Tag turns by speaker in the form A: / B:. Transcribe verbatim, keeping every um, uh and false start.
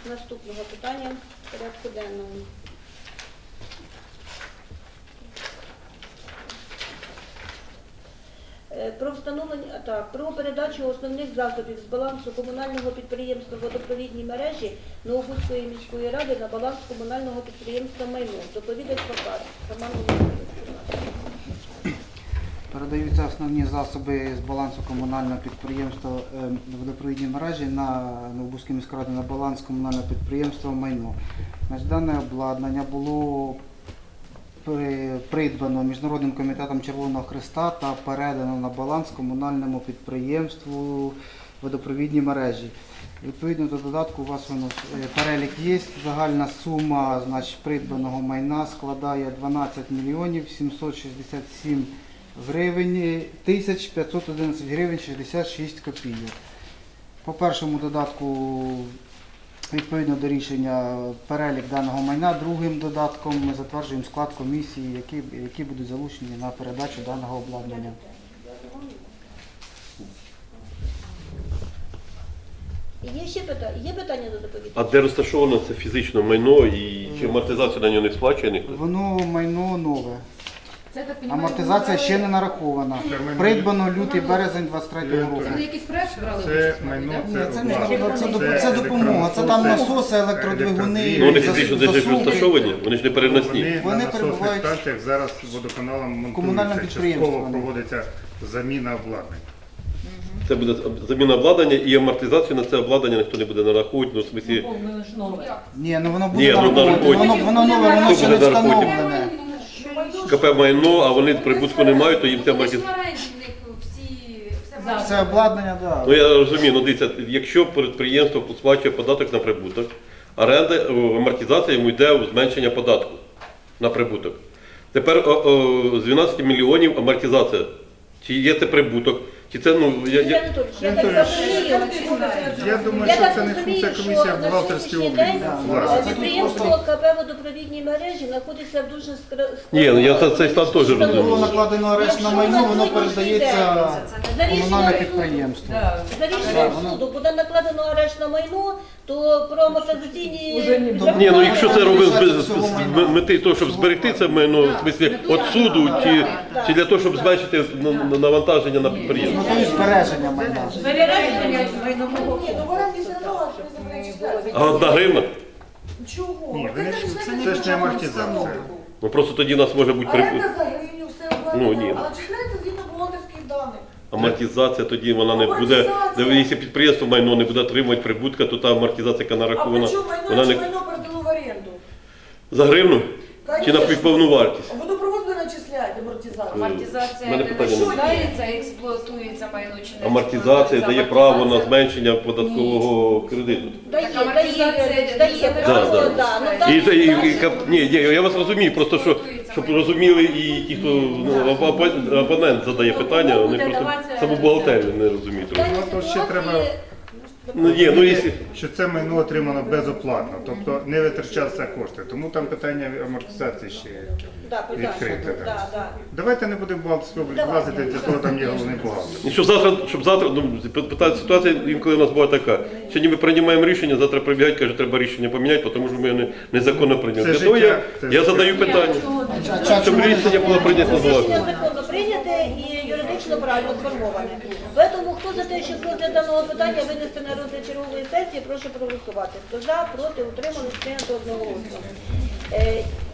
A: наступного питання порядку денного. Про встановлення так, про передачу основних засобів з балансу комунального підприємства водопровідні мережі Новобузької міської ради на баланс комунального підприємства майно. Доповідач Покар. Роман Володимирович.
B: Передаються основні засоби з балансу комунального підприємства водопровідні мережі на Новобузькій міській раді на баланс комунального підприємства майно. Значить, дане обладнання було придбано Міжнародним комітетом Червоного Хреста та передано на баланс комунальному підприємству водопровідні мережі. Відповідно до додатку у вас воно перелік є. Загальна сума, значить, придбаного майна складає дванадцять мільйонів сімсот шістдесят сім гривень тисяч п'ятсот одинадцять гривень шістдесят шість копійок. По першому додатку, відповідно до рішення, перелік даного майна. Другим додатком ми затверджуємо склад комісії, які, які будуть залучені на передачу даного обладнання.
A: Є ще питання? Є питання до доповідача?
C: А де розташовано це фізично майно і чи амортизація на нього не сплачує ніхто?
B: Воно майно нове. Амортизація ще не нарахована. Придбано лютий березень двадцять третього року.
D: Це на якийсь проект брали?
E: Це майно, це
B: Це,
E: обладнання.
B: це, це, це допомога. Це там насоси, електродвигуни.
C: Ну вони фізично десь ж розташовані, вони ж не переносні.
E: Вони,
B: Вони
E: на насосних
B: перебувають
E: станціях зараз водоканалом
B: комунальному
E: монтуються.
B: підприємстві
E: Частково
B: вони.
E: проводиться заміна обладнання.
C: Це буде заміна обладнання і амортизацію на це обладнання ніхто не буде нараховувати, ну в смислі,
B: Ні, ну воно буде
C: Ні, ну,
B: нараховувати.
C: нараховувати.
B: Воно, воно нове, воно
C: Хто
B: ще не
C: буде нараховувати?
B: встановлене.
C: КП майно, а вони прибутку не мають, то їм це амортизація.
B: Це обладнання, так.
C: Ну я розумію, ну дивіться, якщо підприємство сплачує податок на прибуток, оренда, о, амортизація йому йде у зменшення податку на прибуток. Тепер о, о, з дванадцяти мільйонів амортизація. Чи є це прибуток? Чи це, ну, я,
A: Юрій
C: я...
A: Анатолійович, я так
E: Анатолійович,
A: розумію.
E: Я думаю,
A: Я
E: що
A: так
E: це не
A: розумію,
E: функція
A: що
E: комісії, а
A: на
E: бухгалтерський
A: сьогоднішній
E: облік.
A: день
E: власне.
A: підприємство КП водопровідні мережі знаходиться в дуже скр-
C: Ні, ну, я це- цей стан теж розумію.
B: Було накладено арешт на майно, воно передається
A: За
B: комунальне
A: рішенням суду,
B: підприємство.
A: за рішенням суду буде накладено арешт на майно, то про амортизаційні...
C: Ні, ну якщо це робив з- з з мети того, щоб зберегти це майно, в смислі від суду, чи, чи для того, щоб зменшити на- на- навантаження на підприємство.
B: Ну, то є збереження майна.
C: А одна гривна?
F: Чого?
E: Ні, вони ж- це ж не амортизація.
C: Ну просто тоді у нас може бути прибуток.
F: Оренда за гривню, все
C: Ну,
F: обладнання,
C: ні.
F: але числяється згідно бухгалтерських даних.
C: Амортизація тоді вона не буде, якщо підприємство майно не буде отримувати прибутка, то та амортизація, яка
F: А
C: нарахована,
F: при чому майно,
C: вона
F: чи
C: не
F: майно передало в оренду?
C: за гривну чи на
F: Конечно.
C: повну вартість.
F: Водопровод ви начисляєте амортизацію.
D: Амортизація
C: Мене
D: не
C: питання немає.
D: начисляється, експлуатується майно чи не
C: Амортизація
D: експлуатується.
C: дає право на
D: Амортизація-
C: зменшення податкового кредиту.
A: Дає,
D: Так,
A: дає,
D: амортизація
A: дає,
D: йде
A: право,
C: за
A: да. Ну,
C: І,
A: так,
C: та- і,
A: так,
C: і, кап- ні, ні, я вас розумію, просто що, щоб розуміли і ті, хто ну, опо- опонент задає питання, вони просто саму бухгалтерію не розуміють.
A: так,
E: Ну, то ще
A: ситуації-
E: треба-
C: Ну, є, ну, якщо...
E: Що це майно отримано безоплатно, тобто не витрачаються кошти. Тому там питання амортизації ще є.
A: Да, питання.
E: відкрите, так.
A: Да, да.
E: Давайте не будемо в бухгалтерський облік
A: Давайте.
E: влазити, для того там є головний бухгалтер.
C: І щоб завтра, щоб завтра, ну, питання, ситуація інколи у нас була така. Сьогодні ми приймаємо рішення, завтра прибігають, кажуть, треба рішення поміняти, тому що ми не, незаконно прийняли.
E: Це
C: Для того я,
E: життя, це
C: я
E: життя.
C: задаю питання, щоб рішення було прийнято
A: Рішення
C: злагоджено.
A: законно прийняте і юридично правильно сформоване. Тому хто за те, щоб розгляд даного питання винести на розгляд чергової сесії, прошу проголосувати. Хто за, проти, утримались, прийнято одноголосно. Е,